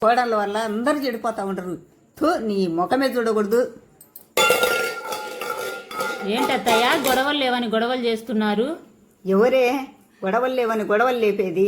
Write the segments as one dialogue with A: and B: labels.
A: కోడళ్ళ వల్ల అందరు చెడిపోతా ఉంటారు. నీ ముఖమే చూడకూడదు.
B: ఏంటత్తయ్య గొడవలు లేవని గొడవలు చేస్తున్నారు?
A: ఎవరే గొడవలు లేవని గొడవలు లేపేది?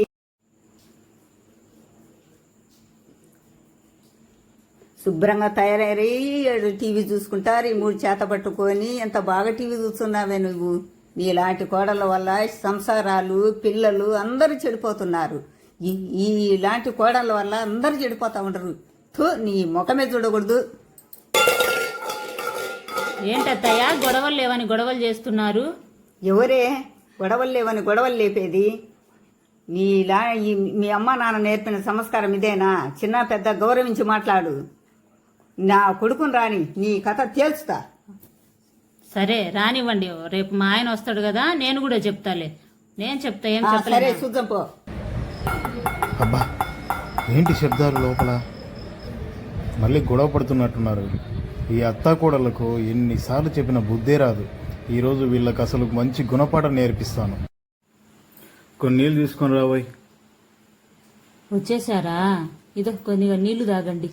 A: శుభ్రంగా తయారయ్యి టీవీ చూసుకుంటా రిమోట్ చేత పట్టుకొని ఎంత బాగా టీవీ చూస్తున్నావే నువ్వు. నీలాంటి కోడళ్ళ వల్ల సంసారాలు పిల్లలు అందరూ చెడిపోతున్నారు. ఇలాంటి కోడళ్ళ వల్ల అందరూ చెడిపోతా ఉంటారు. నీ ముఖమే చూడకూడదు.
B: ఏంటత్తయ్య గొడవలు లేవని గొడవలు చేస్తున్నారు?
A: ఎవరే గొడవలు లేవని గొడవలు లేపేది? మీ అమ్మ నాన్న నేర్పిన సంస్కారం ఇదేనా? చిన్న పెద్ద గౌరవించి మాట్లాడు. నా కొడుకుని రాని నీ కథ తేల్చుతా.
B: సరే రానివ్వండి, రేపు మా ఆయన వస్తాడు కదా, నేను కూడా చెప్తాలే. నేను చెప్తా, ఏం
A: సరే
B: చెప్పలేదు.
A: చూద్దాం పో.
C: అబ్బా ఏంటి శబ్దాలు లోపల? మళ్ళీ గొడవ పడుతున్నట్టున్నారు. ఈ అత్తాకోడళ్లకు ఎన్నిసార్లు చెప్పిన బుద్ధే రాదు. ఈరోజు వీళ్ళకి అసలు మంచి గుణపాఠం నేర్పిస్తాను. కొన్ని నీళ్ళు తీసుకొని రాబోయ్.
B: వచ్చేసారా? ఇదో కొద్దిగా నీళ్లు తాగండి.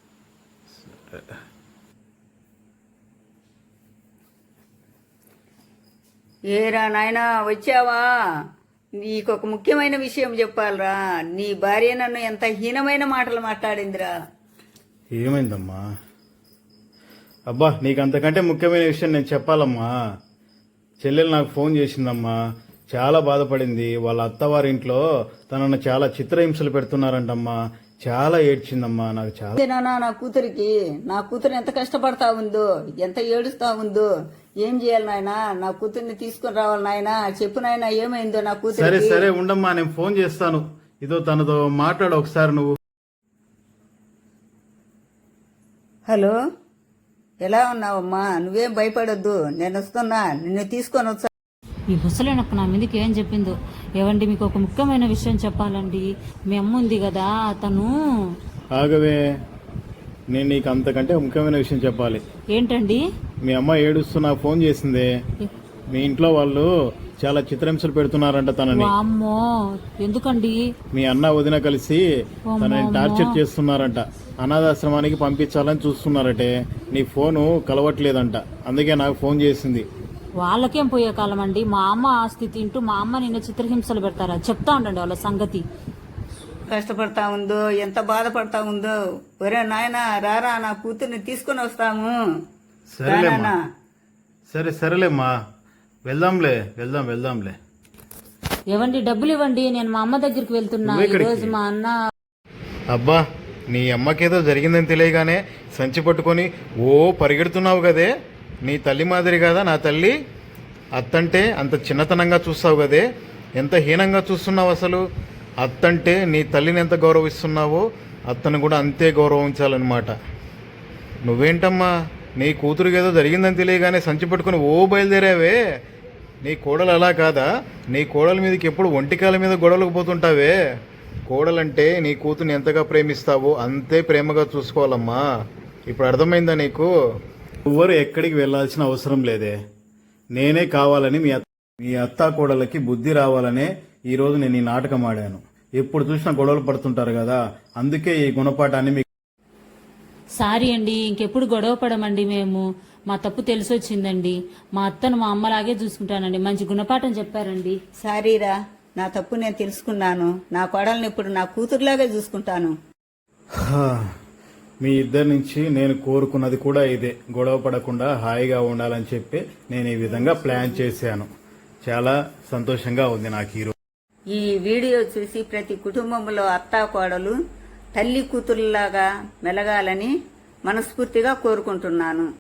A: ఏరా నాయనా వచ్చావా? నీకొక ముఖ్యమైన విషయం చెప్పాలరా. నీ భార్య నన్ను ఎంత హీనమైన మాటలు మాట్లాడిందిరా.
C: ఏమైందమ్మా? అబ్బా నీకు అంతకంటే ముఖ్యమైన విషయం నేను చెప్పాలమ్మా. చెల్లెలు నాకు ఫోన్ చేసిందమ్మా. చాలా బాధపడింది. వాళ్ళ అత్తవారింట్లో తనను చాలా చిత్రహింసలు పెడుతున్నారంటమ్మా. చాలా ఏడ్చిందమ్మా. నాకు చాలా
A: నా కూతురికి నా కూతురు ఎంత కష్టపడతా ఉందో, ఎంత ఏడుస్తా ఉందో. ఏం చేయాలి నాయనా? నా కూతుర్ని తీసుకుని రావాలి నాయనా. చెప్పు నాయనా ఏమైందో నా కూతురు.
C: సరే సరే ఉండమ్మా, నేను ఫోన్ చేస్తాను. ఇదో తనతో మాట్లాడు ఒకసారి నువ్వు.
A: హలో, ఎలా ఉన్నావమ్మా? నువ్వేం భయపడొద్దు, నేను వస్తున్నా. నిన్ను తీసుకొని వచ్చా.
B: ఈ ముసలినొక్క నా మీదకి ఏం చెప్పిందో. ఏవండి, మీకు ఒక ముఖ్యమైన విషయం చెప్పాలండి. మీ అమ్మ ఉంది కదా, తను.
C: ఆగవే, నేను నీకు అంతకంటే ముఖ్యమైన విషయం చెప్పాలి.
B: ఏంటండి?
C: మీ అమ్మ ఏడుస్తూ నాకు ఫోన్ చేసిందే. మీ ఇంట్లో వాళ్ళు చాలా చిత్రహింసలు పెడుతున్నారంట తనని.
B: అమ్మో, ఎందుకండి?
C: మీ అన్న వదిన కలిసి తనని టార్చర్ చేస్తున్నారంట. అనాథాశ్రమానికి పంపించాలని చూస్తున్నారటే. నీ ఫోను కలవట్లేదంట, అందుకే నాకు ఫోన్ చేసింది.
B: వాళ్ళకేం పోయే కాలం అండి. మా అమ్మ ఆస్తి తింటూ మా అమ్మ నిన్న చిత్రహింసలు పెడతారా? చెప్తా ఉండండి వాళ్ళ సంగతి.
A: కష్టపడతా ఉందో, ఎంత బాధపడతా ఉందో. ఒరే నాయనా రారా, నా కూతుర్ని తీసుకుని వస్తాము.
C: సరేలేమ్మా, సరేలేమ్మా, వెళ్దాంలే.
B: ఏవండి, డబ్బులు ఇవ్వండి, నేను మా అమ్మ దగ్గరికి వెళ్తున్నా. ఈరోజు మా అన్న.
C: అబ్బా, నీ అమ్మకేదో జరిగిందని తెలియగానే సంచి పట్టుకొని పరిగెడుతున్నావు కదే. నీ తల్లి మాదిరి కదా నా తల్లి. అత్తంటే అంత చిన్నతనంగా చూస్తావు కదే. ఎంత హీనంగా చూస్తున్నావు అసలు. అత్తంటే నీ తల్లిని ఎంత గౌరవిస్తున్నావో అత్తను కూడా అంతే గౌరవించాలన్నమాట. నువ్వేంటమ్మా, నీ కూతురికి ఏదో జరిగిందని తెలియగానే సంచి పట్టుకుని బయలుదేరావే. నీ కోడలు అలా కాదా? నీ కోడల మీదకి ఎప్పుడు ఒంటికాల మీద గొడవలకు పోతుంటావే. కోడలంటే నీ కూతుర్ని ఎంతగా ప్రేమిస్తావో అంతే ప్రేమగా చూసుకోవాలమ్మా. ఇప్పుడు అర్థమైందా నీకు? ఎవ్వరు ఎక్కడికి వెళ్లాల్సిన అవసరం లేదే. నేనే కావాలని మీ అత్తా కోడలకి బుద్ధి రావాలనే ఈరోజు నేను ఈ నాటకం ఆడాను. ఎప్పుడు చూసినా గొడవలు పడుతుంటారు కదా, అందుకే ఈ గుణపాఠాన్ని మీకు.
B: సారీ అండి, ఇంకెప్పుడు గొడవ పడమండి. మేము మా తప్పు తెలిసొచ్చిందండి. మా అత్తను మా అమ్మలాగే చూసుకుంటానండి. మంచి గుణపాఠం చెప్పారండి.
A: సారీరా, నా తప్పు నేను తెలుసుకున్నాను. నా కోడల్ని ఇప్పుడు నా కూతురులాగే చూసుకుంటాను.
C: మీ ఇద్దరి నుంచి నేను కోరుకున్నది కూడా ఇదే. గొడవ పడకుండా హాయిగా ఉండాలని చెప్పి నేను ఈ విధంగా ప్లాన్ చేశాను. చాలా సంతోషంగా ఉంది నాకు ఈరోజు.
A: ఈ వీడియో చూసి ప్రతి కుటుంబంలో అత్తా కోడలు తల్లి కూతురులాగా మెలగాలని మనస్ఫూర్తిగా కోరుకుంటున్నాను.